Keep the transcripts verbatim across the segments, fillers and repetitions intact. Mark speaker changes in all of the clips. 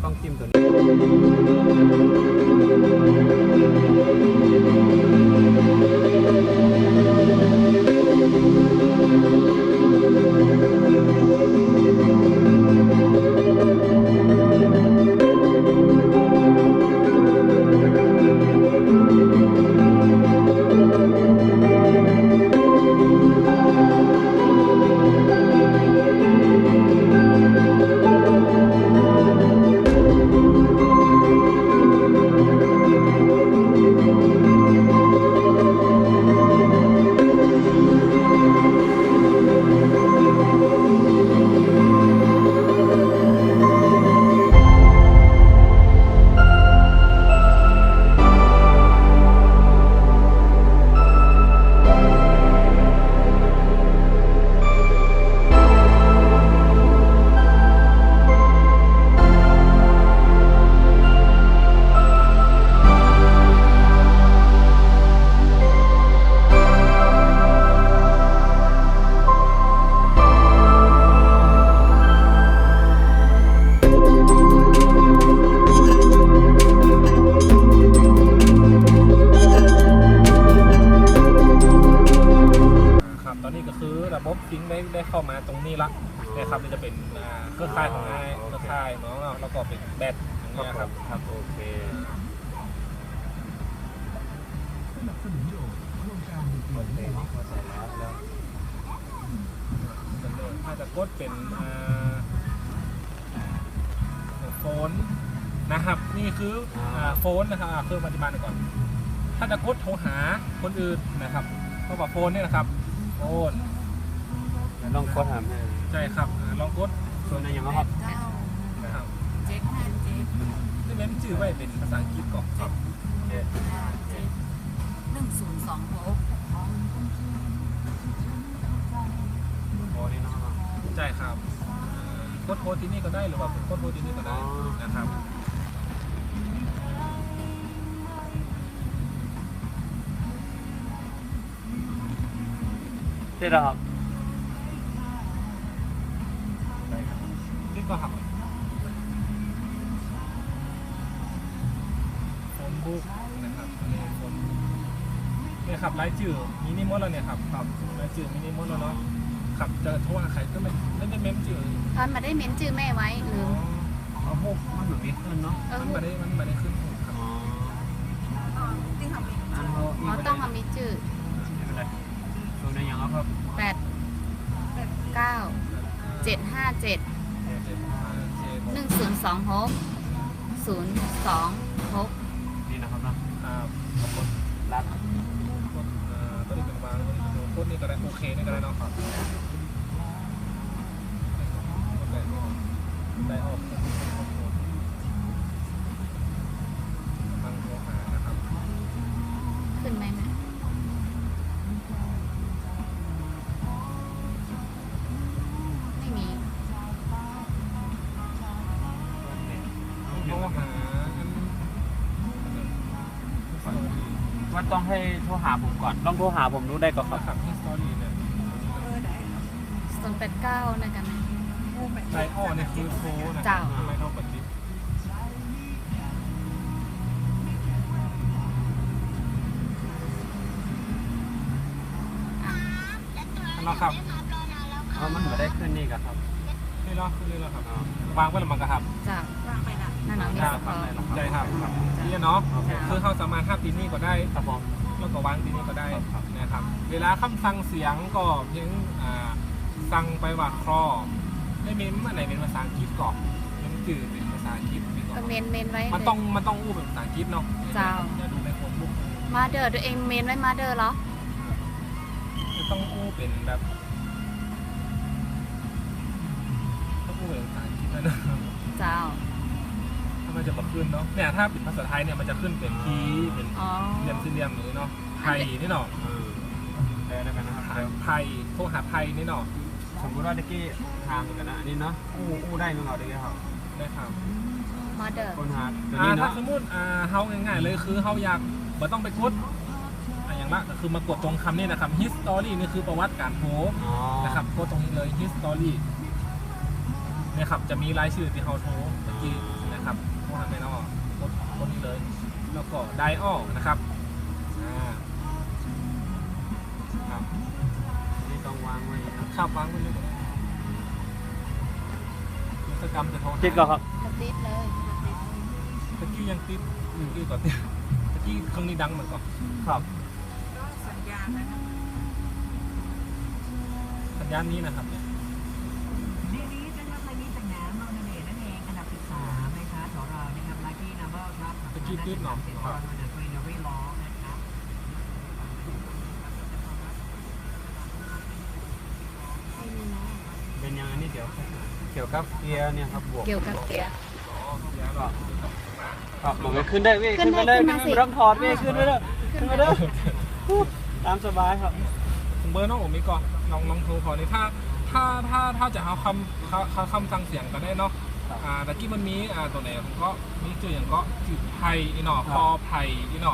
Speaker 1: ต้องจิ้มตัวนี้
Speaker 2: ระบบซิงค์ได้ได้เข้ามาตรงนี้ละนะครับนี่จะเป็นเครือข่ายของไอ้เครือข่ายเนาะแล้วก็เป็นแบตอย่างเงี้ยครับ
Speaker 1: ครับโอเค
Speaker 2: ถ้าจะกดเป็นโฟนนะครับนี่คือโฟนนะครับเครื่องปัจจุบันก่อนถ้าจะกดโทรหาคนอื่นนะครับเพราะว่าโฟนนี่นะครับโฟน
Speaker 1: ลองกดถาม
Speaker 2: ใช่ครับลองกด
Speaker 1: ส่วนไหนอย่างครับ
Speaker 2: นะครับเจ็ดห้าเจ็ดที่เน้นชื่อไว้เป็นภาษาอังกฤษก่อนครับ
Speaker 3: เจ็ดห้าเจ็ดหนึ่งศูนย์สองหก
Speaker 1: โอ้นี่เนาะ
Speaker 2: ใช่ครับกดโทรที่นี่ก็ได้หรือว่ากดโทรที่นี่ก็ได้นะครับ
Speaker 1: ใช่แล้วครับ
Speaker 2: นี่ก็หักโฟนบุ๊กนะครับนี่โฟนเนี่ยครับไลฟ์จื่อมินิมอลแล้วเนี่ยครับครับไลฟ์จื่อมินิมอลแล้วเนาะขับจะโทรหาใครก็ไม่ไม่ได้เมมจื่อ
Speaker 3: ตอนมาได้เมมจื่อแม่ไว้หรือ
Speaker 1: เอาพวกมันเหมือนมีขึ้นเนาะ
Speaker 2: มันมาได้มันมาได้ขึ้นครับ
Speaker 3: อ๋อต้องมามีจื่อ
Speaker 1: ไม่เป็นไรส่วนไหนอย่างครับ
Speaker 3: แปดเก้าเจ็ดห้าเจ็ดหนึ่งศูนย์สองหกศูนย์สองหก
Speaker 1: นี่นะครับนะ
Speaker 2: ขอบคุณรัดตัวนี้เป็นวางโคตรนี่ก็ได้โอเคนี่ก็ได้เนาะครับได้ออกฟังโทรหานะครับ
Speaker 3: ขึ้นไหมแม่ไม่มี
Speaker 1: ว่าต้องให้โทรหาผมก่อนลองโทรหาผมรู้ได้ก่อน
Speaker 2: ครับที่สตอรี่เนี่ย
Speaker 3: ศูนย์แปดเก้านะกันนะ
Speaker 2: ไลอ้อเนี่ยคือโทรนะทำไมเขาปฏิบัติครับ
Speaker 1: อ๋อมันไม่ได้ขึ้นนี่กันครับ
Speaker 2: นี่เนาะขึ้นนี่แล้วครับวางไว้หรือมังกรครับ
Speaker 3: จ้าวางไปละนั่นเนาะนี่
Speaker 2: ครับใช่ครับนี่เนาะคือเขาสามารถห้ามตีนี่ก็ได้
Speaker 1: ครับผม
Speaker 2: แล้วก็วางตีนี่ก็ได้นะครับเวลาคำสั่งเสียงก็เพียงสั่งไปว่าครอได้เมนอะไรเป็นภาษาอังกฤษก่อนมันจืดเป็นภาษาอังกฤษ
Speaker 3: เมนเมนไว้
Speaker 2: มันต้องมันต้องอู้เป็นภาษาอังกฤษเนาะ
Speaker 3: จ้าว
Speaker 2: จะดูในโฟนบุ๊ก
Speaker 3: มาเดอร์ตัวเองเมนไว้มาเดอร์เหรอ
Speaker 2: จะต้องอู้เป็นแบบต้องอู้เป็นภาษาอังกฤษนะ
Speaker 3: จ้าว
Speaker 2: ถ้ามันจะมาขึ้นเนาะเนี่ยถ้าเป็นภาษาไทยเนี่ยมันจะขึ้นเป็นคีเป็นเรียมสี่เหลี่ยมนี้เนาะไทยนี่เนาะ
Speaker 1: ได้แล้วกันนะครับ
Speaker 2: ไทยโทรหาไทยนี่เนาะ
Speaker 1: สมมติว่าตะกี้ทางกันนะอันนี้เนาะอู้อู้ได้มั้งเราตะกี้ครับ
Speaker 2: ได้ครับ
Speaker 3: มาเดอร์
Speaker 1: คนหาตัว
Speaker 2: นี้
Speaker 1: เนาะ
Speaker 2: ถ้าสมมติอ่าเฮาง่ายๆเลยคือเฮาอยากบ่ต้องไปกดอย่างละก็คือมากดตรงคำนี้นะครับ history นี่คือประวัติการโทรนะครับกดตรงนี้เลย history เนี่ยครับจะมีรายชื่อที่เฮาโทรตะกี้นะนะครับโมฮัมเหม็ดออกกดกดนี้เลยแล้วก็ไดออนะครับอ่าครับ
Speaker 1: นี่ต้องวางไว้นะ
Speaker 2: ข้าวฟังไปเลยกิจกรรมจะโทรหา
Speaker 1: ติดก่อนครับ
Speaker 3: กระติดเลยกระติด
Speaker 2: ตะกี้ยังติดตะกี้ก่อนติดตะกี้เครื่องนี้ดังเหมือนก่อน
Speaker 1: ครับ
Speaker 4: ก็สัญญาณนะครับ
Speaker 2: สัญญาณนี้นะครับเนี่ย
Speaker 5: เดือนนี้จะทำอะไรนี้จากน้ำมอนาเมนั่นเองอันดับสิบสามนะคะของเรานะครับลัคกี้นัมเบอร์ครับ
Speaker 2: ตะกี้ติดเนาะ
Speaker 5: เจ็ด
Speaker 2: ค
Speaker 5: ร้
Speaker 2: รั
Speaker 5: อบ ยวันเดอร์กรีนอรี่ล้อนะครับ
Speaker 3: ไม่มีนะ
Speaker 1: เป็นยังอันนี้เดี๋ยวเกี่ยวกับเกียร์เนี่ยครับบวก
Speaker 3: เกี่ยวกับเกียร์
Speaker 2: อ๋อเดี๋ยวเรา
Speaker 1: ครับผมขึ้นได้เว้ย
Speaker 3: ขึ้
Speaker 1: ขึ้น
Speaker 3: นได้
Speaker 1: มาได้
Speaker 3: ขึ้น
Speaker 1: ขึ้น
Speaker 3: มา
Speaker 1: มา
Speaker 3: สิ
Speaker 1: ไม่ต้องถอดเว้ยขึ้นมาเด้อขึ้นมาเด้อตามสบายครับ
Speaker 2: เบอร์น้องผมมีก่อนน้องน้องโทรขอนี่ถ้าถ้าถ้าถ้าจะเอาคำคำคำสั่งเสียงก็ได้เนาะอ่าตะกี้มันมีอ่าตัวไหนผมก็มีจุดอย่างก็จุดไผ่อีหนอคอไผ่อีหนอ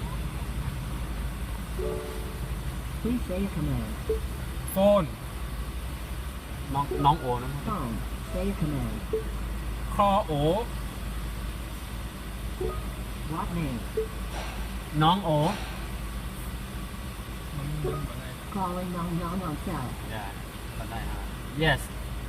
Speaker 5: Please say a command
Speaker 2: โฟน
Speaker 1: น้องน้องโอนะครับ
Speaker 5: phone say a command
Speaker 2: คอโอ
Speaker 5: what name
Speaker 1: น้องโอ
Speaker 2: มันมันเหมือนอะไร
Speaker 5: calling non non non cell
Speaker 1: ได้ก็ได้ฮะ yes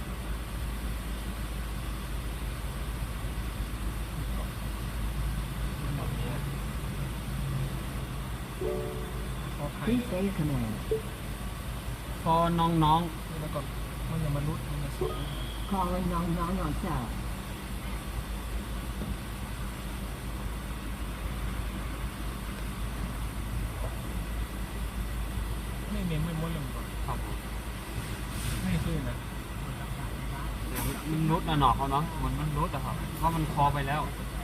Speaker 2: คอไผ่
Speaker 5: please say a command
Speaker 1: พอน้องน้อง
Speaker 2: แล้วก็มันจะมนุษย์มันจะสด
Speaker 5: calling non non non cell
Speaker 2: ไม่เน้นไม่ม้วนเลยก่อน
Speaker 1: ครับผม
Speaker 2: ไม่ขึ้นนะ
Speaker 1: มันนุษย์นะหนอกเขาเนาะเหมือนมันนุษย์อะครับเพราะมันคอไปแล้ว
Speaker 2: ค